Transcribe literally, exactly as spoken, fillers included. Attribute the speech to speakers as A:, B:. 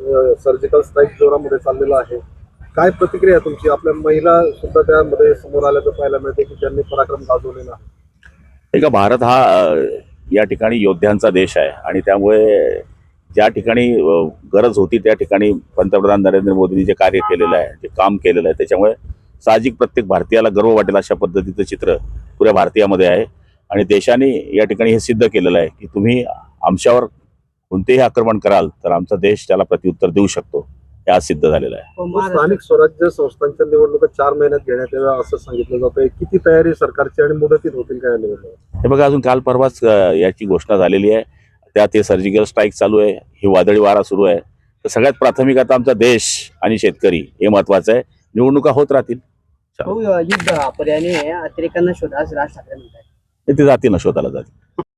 A: Surgical strike जोरामध्ये चाललेला आहे, काय प्रतिक्रिया आहे तुमची? आपल्या महिला सुद्धा त्यामध्ये समोर आल्याचं पाहायला मिळते की ज्यांनी पराक्रम गाजवलेला आहे.
B: नाही का, भारत हा अ, या ठिकाणी योद्ध्यांचा देश आहे आणि त्यामुळे ज्या ठिकाणी अ, गरज होती त्या ठिकाणी पंतप्रधान नरेंद्र मोदींनी जे कार्य केलेलं आहे, जे काम केलेलं आहे, त्याच्यामुळे साहजिक प्रत्येक भारतीयाला गर्व वाटेल अशा पद्धतीचं चित्र पुऱ्या भारतीयामध्ये आहे. आणि देशाने या ठिकाणी हे सिद्ध केलेलं आहे की तुम्ही आमच्यावर कोणतेही आक्रमण कराल तर आमचा देश त्याला प्रत्युत्तर देऊ शकतो, हे आज सिद्ध झालेलं आहे.
A: स्थानिक स्वराज्य संस्थांच्या निवडणुका चार महिन्यात घेण्यात याव्या असं सांगितलं जातंय. किती तयारी सरकारची आणि मुदतीत होतील काय निवडणूक?
B: हे बघा, अजून काल परवाच अ, याची घोषणा झालेली आहे. त्यात हे सर्जिकल स्ट्राईक चालू आहे, ही वादळी वारा सुरू आहे. तर सगळ्यात प्राथमिक आता आमचा देश आणि शेतकरी हे महत्वाचं आहे. निवडणुका होत राहतील,
C: युद्ध पर्यायाने अतिरेकांना शोधा असं राज ठाकरे म्हणतात.
B: ते जातील ना, शोधाला जातील.